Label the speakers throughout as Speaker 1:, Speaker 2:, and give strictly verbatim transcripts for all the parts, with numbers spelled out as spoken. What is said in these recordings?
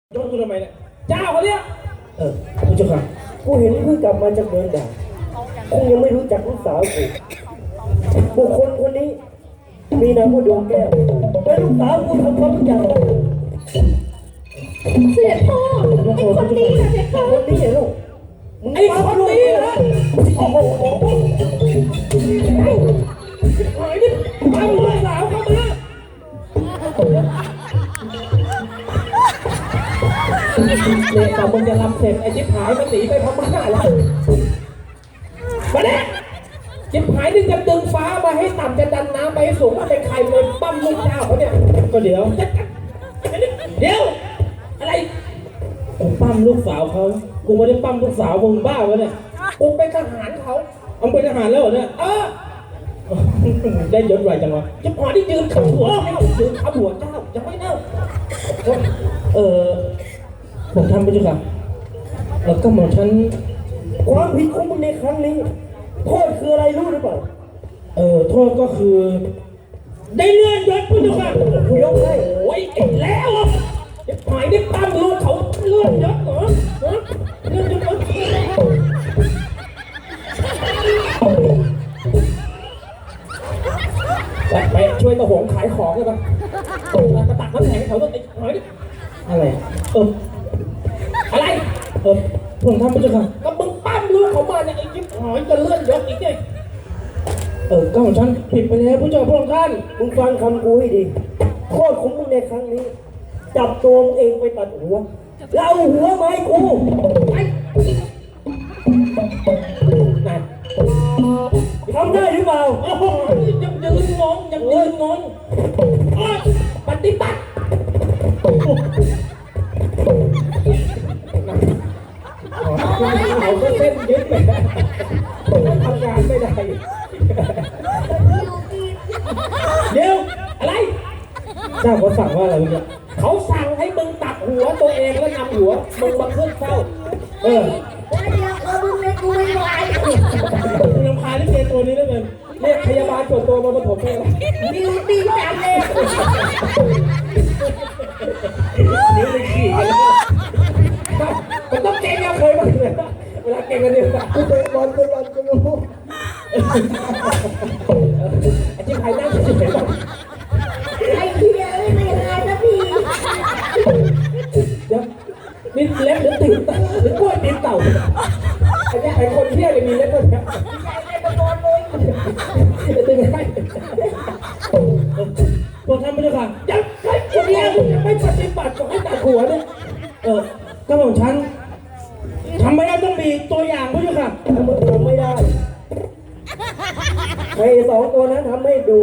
Speaker 1: โดนกูทำไมเนี่ยเจ้าเขาเนี่ยเออผู้เจ้าค่ะ
Speaker 2: กูเห็นเพิ่งกลับมาจากเมืองด่านคงยังไม่รู้จักลูกสาวกูบุคคลคนนี้มีนามว่าดวงแก้วเป็นลูกสาวกูทำความรู้จัก
Speaker 3: เสียพ่อไอ้คนนี้นะเสียพ่อ
Speaker 2: คนนี้เหรอ
Speaker 1: ไอ้คนนี้นะโอ้โหหายดิเอาลูกสาวเข้ามาเลยแต่มึงจะรำเสร็จไอ้จิ๊บหายมันหนีไปพม่าแล้วมาเนี่ยจิ๊บหายนี่จะดึงฟ้ามาให้ต่ำจะดันน้ำไปให้สูงมาเป็นใครเลยปั้มลูกเจ้าเขาเนี่ยก็เดี๋ยวเดี๋ยวอะไรกูปั้มลูกสาวเขากูไม่ได้ปั้มลูกสาวมึงบ้าวะเนี่ยกูเป็นทหารเขาเอาเป็นทหารแล้วเหรอเนี่ยเออได้ยศไรจังวะจิ๊บหายที่ยืนขับหัวยืนขับหัวเจ้าจะไม่เน่าเออผมทำไปจ้ะครับแล้วก็หมอฉัน
Speaker 2: ความผิดของมึงในครั้งนี้โทษคืออะไรรู้หรือเปล่า
Speaker 1: เออโทษก็คือได้เลื่อนยศพี่จ้ะครับ
Speaker 2: กูยกให้
Speaker 1: โอ้ยเอ็งแล้วอ่ะจะหายได้ปั้มลูกเขาเลื่อนยศเหรอฮะเลื่อนยศไปไปช่วยตะหงขายของเลยป่ะกระตักน้ำแข็งเขาต้องไอ้หายดิอะไรเอออะไรเออผมทำไปจ้ะครับก็มึงปั้มลูกเขามาเนี่ยไอ้จิ๊บหายจะเลื่อนยศอีกไงเออก็ของฉันผิดไปแล้วผู้เจ้าพระองค์ท่าน
Speaker 2: มึงฟังคำกูให้ดีโทษของมึงในครั้งนี้จับตัวมึงเองไปตัดหัวแล้วเอาหัวมาให้กู
Speaker 1: ไปนั่น
Speaker 2: ทำได้หรือเปล่า
Speaker 1: โอ้โหยังยืนงงยังยืนงงปฏิบัติเขาก็เส้นยึดไปทำงานไม่ได้เดี๋ยวอะไรเจ้าเขาสั่งว่าอะไรเนี่ยเขาสั่งให้มึงตัดหัวตัวเองแล้วนำหัวมึงมาขึ้นเฝ้าเออ
Speaker 3: แล้วเดี๋ยวเขาดูเลยกูไม่ไหว
Speaker 1: คุณรำคาญที่เกตัวนี้แล้วเกินเรียกพยาบาลส่วนตัวมาปฐมเลย
Speaker 3: ดีดีจังเลย
Speaker 1: นิ้วเลยขี่มันต้องเก่งอะเคยมาเลยเวลาเก่งกันเนี่ย
Speaker 2: กูเป็นบอลเป็นบอลกูรู้
Speaker 1: ไอ้ที่ใครนั่งเฉยๆ
Speaker 3: ไอ้เหี้ยไม่หายนะพี่
Speaker 1: เดี๋ยวนี่เล็บหรือติ่งหรือกล้วยติ่งเต่าไอ้เนี่ยไอ้คนเที่ยวเลยมีเล็บด้วยเนี่ย
Speaker 3: ใหญ่เลยตะโกนเลย
Speaker 1: ติ่งให้ตัวทำไม่ได้ค่ะยังใครคนเดียวยังไม่ปฏิบัติก็ให้ตัดหัวเนี่ยเออก็ของฉันทำไม่ได้ต้องมีตัวอย่างผู้ชมค่ะ
Speaker 2: ถ้ามึงทำไม่ได้ไอ้สองตัวนั้นทำให้ดู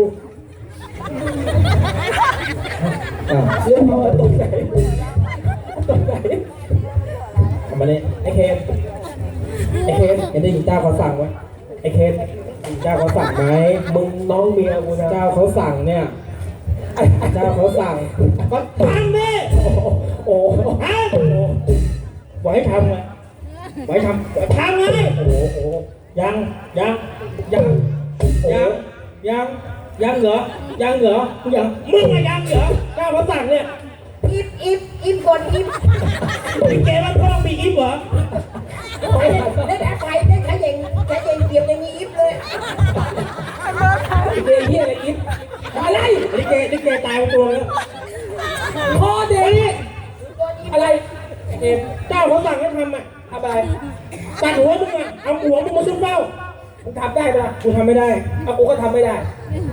Speaker 1: เรื่องมาตกใจตกใจทำมาเนี่ยไอ้เคนไอ้เคนเห็นได้ยินเจ้าเขาสั่งไหมไอ้เคนเจ้าเขาสั่งไหมมึงน้องเมียกูนะเจ้าเขาสั่งเนี่ยเจ้าเขาสั่งก็ทำดิโอ้โหฮะไว้ทำไงไว้ทำทำไงโอ้โหยังยังยังยังยังยังเหรอยังเหรอยังมึงอะยังเหรอเจ้าเขาสั่งเนี่ย
Speaker 3: อิฟอิฟอิฟกดอิฟ
Speaker 1: นี่แกว่าพ่อมีอิฟเหรอ
Speaker 3: ได้แต่ใครได้ใครเองใครเองเกียบยังมีอิฟเลย
Speaker 1: นี่แกเฮียอะไรอิฟอะไรนี่แกนี่แกตายไปตัวแล้วพ่อเด็กอะไรเจ้าเขาสั่งให้ทำอ่ะทำอะไรตัดหัวมึงอ่ะเอาหัวมึงมาซุ่มเฝ้ามึงทำได้ปะกูทำไม่ได้เอากูก็ทำไม่ได้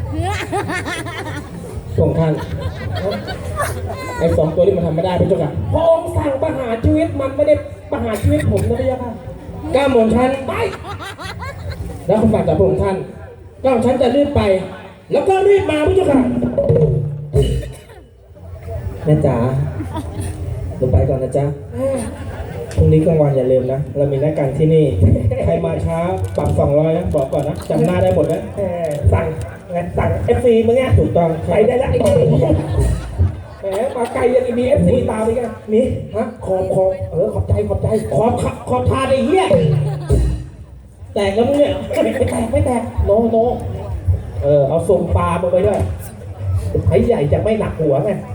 Speaker 1: ส่งท่านไอ้สองตัวนี้มันทำไม่ได้พี่เจ้าค่ะพระองค์สั่งประหารชีวิตมันไม่ได้ประหารชีวิตผมนะพี่เจ้าค่ะก้าหม่อมฉันไปแล้วคำสั่งจากพระองค์ท่านก้าหม่อมฉันจะรีบไปแล้วก็รีบมาพี่เจ้าค่ะแม่จ๋าลงไปก่อนนะจ๊ะพรุ่งนี้กลางวันอย่าลืมนะเรามีนัดกันที่นี่ใครมาช้าปรับสองร้อยนะบอกก่อนนะจำหน้าได้หมดนะสั่งสั่งเอฟซีมึงเนี่ยถูกต้องใครได้ละไอ้แหมมาไกลยังมีเอฟซีตามไปกันมีฮะขอบขอบเออขอบใจขอบใจขอบขอบทานไอ้เหี้ยแตกแล้วมึงเนี่ยไม่แตกไม่แตกโนโนเออเอาส่งปลามาไปด้วยไอ้ใหญ่จะไม่หนักหัวไง